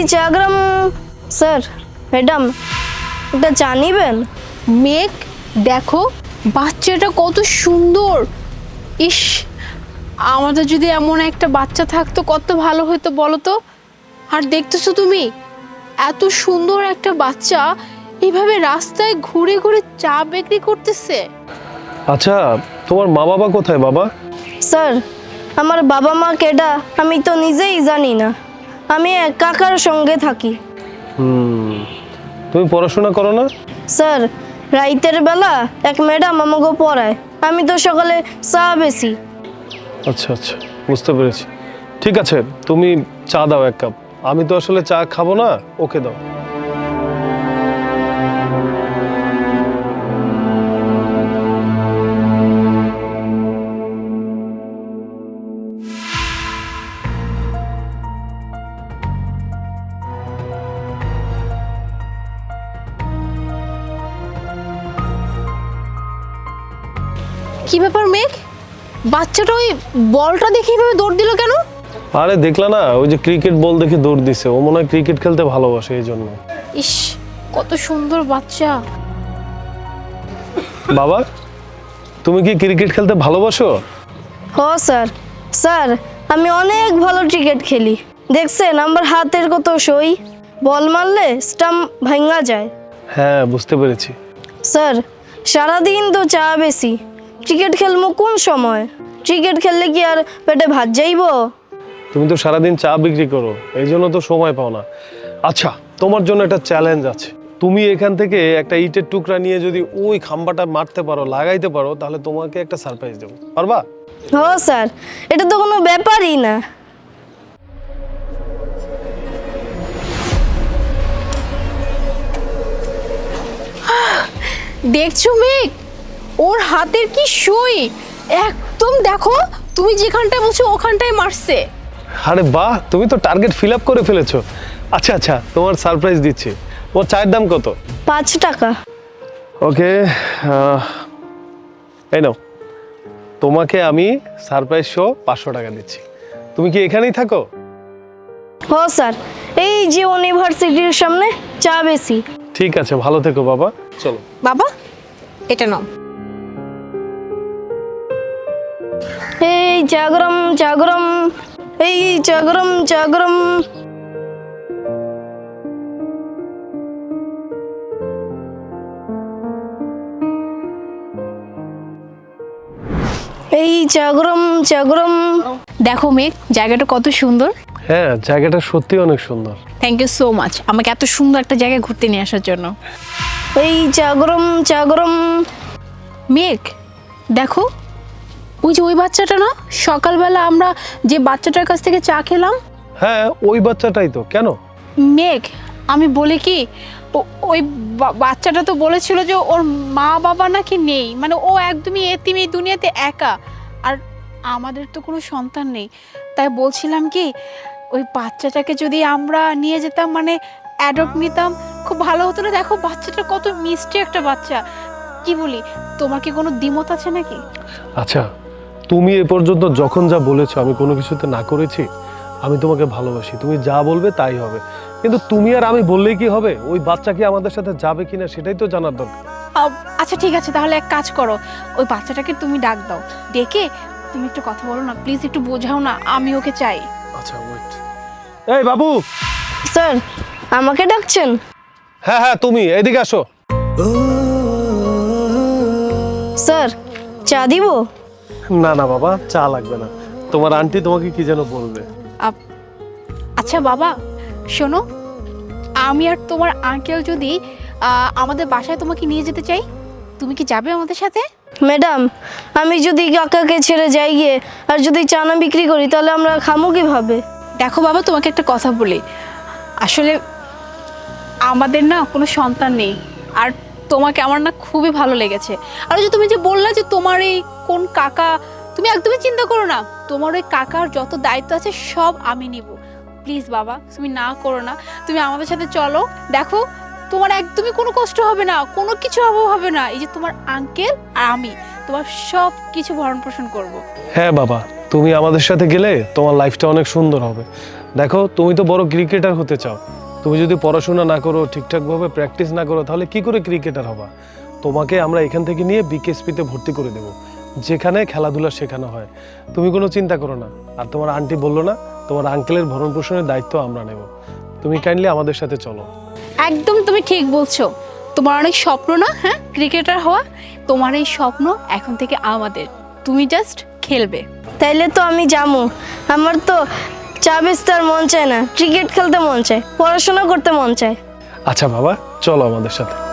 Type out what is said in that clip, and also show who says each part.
Speaker 1: চাগ্রাম sir madam এটা চা নিবেন?
Speaker 2: মেঘ দেখো বাচ্চাটা কত সুন্দর। ইস, আমাদের যদি এমন একটা বাচ্চা থাকতো কত ভালো হতো বলো তো। আর দেখতেছো তুমি এত সুন্দর একটা বাচ্চা এইভাবে রাস্তায় ঘুরে ঘুরে চা বিক্রি করতেছে।
Speaker 3: আচ্ছা, তোমার মা বাবা কোথায় বাবা?
Speaker 1: স্যার আমার বাবা মা কেডা আমি তো নিজেই জানি না, আমি এক কাকার সঙ্গে থাকি।
Speaker 3: তুমি পড়াশোনা করো না?
Speaker 1: স্যার রাইতের বেলা এক ম্যাডাম আমাকে পড়ায়, আমি তো সকালে চা বেশি।
Speaker 3: আচ্ছা আচ্ছা, বুঝতে পেরেছি। ঠিক আছে, তুমি চা দাও এক কাপ। আমি তো আসলে চা খাবো না, ওকে দাও।
Speaker 2: কি ব্যাপার মেঘ, বাচ্চাটা ওই বলটা দেখে এইভাবে দৌড় দিল কেন?
Speaker 3: আরে দেখলা না, ওই যে ক্রিকেট বল দেখে দৌড় দিছে। ও মনে হয় ক্রিকেট খেলতে ভালোবাসে, এই জন্য।
Speaker 2: ইস, কত সুন্দর বাচ্চা।
Speaker 3: বাবা, তুমি কি ক্রিকেট খেলতে ভালোবাসো?
Speaker 1: হ স্যার, স্যার আমি অনেক ভালো ক্রিকেট খেলি। দেখছেন আমার হাতের কত সই, বল মারলে স্টাম্প ভাঙা যায়।
Speaker 3: হ্যাঁ, বুঝতে পেরেছি।
Speaker 1: স্যার সারাদিন তো চা বেশি, ক্রিকেট খেলবো কোন সময়? ক্রিকেট খেললে কি আর পেটে ভাত যাইব?
Speaker 3: তুমি তো সারাদিন চা বিক্রি করো, এই জন্য তো সময় পাও না। আচ্ছা, তোমার জন্য একটা চ্যালেঞ্জ আছে। তুমি এখান থেকে একটা ইটের টুকরা নিয়ে যদি ওই খাম্বাটা মারতে পারো, লাগাইতে পারো, তাহলে তোমাকে একটা সারপ্রাইজ দেবো। পারবা?
Speaker 1: হ স্যার, এটা তো কোনো ব্যাপারই না।
Speaker 2: দেখছো মেঘ, ওর হাতের কি সই, একদম দেখো তুমি যেখানটায় বলছো ওখানটায় মারছে।
Speaker 3: আরে বাহ, তুমি তো টার্গেট ফিল আপ করে ফেলেছো। আচ্ছা আচ্ছা, তোমার সারপ্রাইজ দিচ্ছি। ওর চায়ের দাম কত?
Speaker 1: 5 টাকা।
Speaker 3: ওকে, এই নাও, তোমাকে আমি সারপ্রাইজ শো 500 টাকা দিচ্ছি। তুমি কি এখানেই থাকো?
Speaker 1: হ স্যার, এই যে ইউনিভার্সিটির সামনে চা বেশি।
Speaker 3: ঠিক আছে, ভালো থেকো বাবা, চলো।
Speaker 2: বাবা এটা নাও।
Speaker 1: এই জাগরম জাগরম, এই জাগরম জাগরম। এই জাগরম জাগরম।
Speaker 2: দেখো মেঘ, জায়গাটা কত সুন্দর।
Speaker 3: হ্যাঁ, জায়গাটা সত্যি অনেক সুন্দর।
Speaker 2: থ্যাংক ইউ সো মাচ আমাকে এত সুন্দর একটা জায়গায় ঘুরতে নিয়ে আসার জন্য।
Speaker 1: এই জাগরম জাগরম।
Speaker 2: মেঘ দেখো, ওই যে ওই বাচ্চাটা না, সকালবেলা আমরা যে বাচ্চাটার কাছ থেকে চা খেলাম।
Speaker 3: হ্যাঁ, ওই বাচ্চাটাই তো। কেন?
Speaker 2: মেঘ আমি বলি কি, ওই বাচ্চাটা তো বলেছিল যে ওর মা বাবা নাকি নেই, মানে ও একদমই এতিম, এই দুনিয়াতে একা। আর আমাদের তো কোনো সন্তান নেই, তাই বলছিলাম কি ওই বাচ্চাটাকে যদি আমরা নিয়ে যেতাম, মানে অ্যাডপ্ট নিতাম, খুব ভালো হতো না? দেখো বাচ্চাটা কত মিষ্টি একটা বাচ্চা। কি বলি, তোমার কি কোনো দ্বিমত আছে নাকি?
Speaker 3: আচ্ছা, তুমি এ পর্যন্ত যখন যা বলেছো আমি কোনো কিছুতে না করেছি? আমি তোমাকে ভালোবাসি, তুমি যা বলবে তাই হবে। কিন্তু তুমি আর আমি বললেই কি হবে? ওই বাচ্চা কি আমাদের সাথে যাবে কিনা সেটাই তো জানার দরকার।
Speaker 2: আচ্ছা ঠিক আছে, তাহলে এক কাজ করো, ওই বাচ্চাটাকে তুমি ডাক দাও, ডেকে তুমি একটু কথা বলো না প্লিজ, একটু বোঝাও না, আমি ওকে চাই।
Speaker 3: আচ্ছা ওয়েট। এই বাবু।
Speaker 1: স্যার আমাকে ডাকছেন?
Speaker 3: হ্যাঁ হ্যাঁ, তুমি এদিকে আসো।
Speaker 1: স্যার চা দিব?
Speaker 3: না না বাবা, চা লাগবে না। তোমার আন্টি তোমাকে কি যেন বলবে।
Speaker 2: আচ্ছা বাবা শোনো, আমি আর তোমার আঙ্কেল যদি আমাদের বাসায় তোমাকে নিয়ে যেতে চাই, তুমি কি যাবে আমাদের সাথে?
Speaker 1: ম্যাডাম আমি যদি কাকাকে ছেড়ে যাই গিয়ে আর যদি চা না বিক্রি করি তাহলে আমরা খামো কিভাবে?
Speaker 2: দেখো বাবা, তোমাকে একটা কথা বলি, আসলে আমাদের না কোনো সন্তান নেই, আর তোমাকে আমার না খুবই ভালো লেগেছে। আর যে তুমি যে বললা যে তোমার এই কোন কাকা, তুমি একদমই চিন্তা করো না, তোমার ওই কাকার যত দায়িত্ব আছে সব আমি নিব। প্লিজ বাবা, তুমি না করো না, তুমি আমাদের সাথে চলো। দেখো তোমার একদমই কোনো কষ্ট হবে না, কোনো কিছু অভাব হবে না। এই যে তোমার আঙ্কেল আর আমি তোমার সব কিছু ভরণ পোষণ করবো।
Speaker 3: হ্যাঁ বাবা, তুমি আমাদের সাথে গেলে তোমার লাইফটা অনেক সুন্দর হবে। দেখো, তুমি তো বড় ক্রিকেটার হতে চাও, তুমি যদি পড়াশোনা না করো, ঠিকঠাকভাবে প্র্যাকটিস না করো, তাহলে কি করে ক্রিকেটার হবা? তোমাকে আমরা এখান থেকে নিয়ে বিকেএসপিতে ভর্তি করে দেব, যেখানে খেলাধুলা শেখানো হয়। তুমি কোনো চিন্তা করো না। আর তোমার আন্টি বললো না, তোমার আঙ্কেলের ভরণ পোষণের দায়িত্ব আমরা নেব। তুমি কাইন্ডলি আমাদের সাথে চলো।
Speaker 2: একদম তুমি ঠিক বলছো। তোমার অনেক স্বপ্ন না, হ্যাঁ, ক্রিকেটার হওয়া। তোমার এই স্বপ্ন এখন থেকে আমাদের। তুমি জাস্ট খেলবে।
Speaker 1: তাইলে তো আমি যাবো। আমার তো চা বেচতে আর মন চায় না, ক্রিকেট খেলতে মন চায়, পড়াশোনা করতে মন চায়।
Speaker 3: আচ্ছা বাবা, চলো আমাদের সাথে।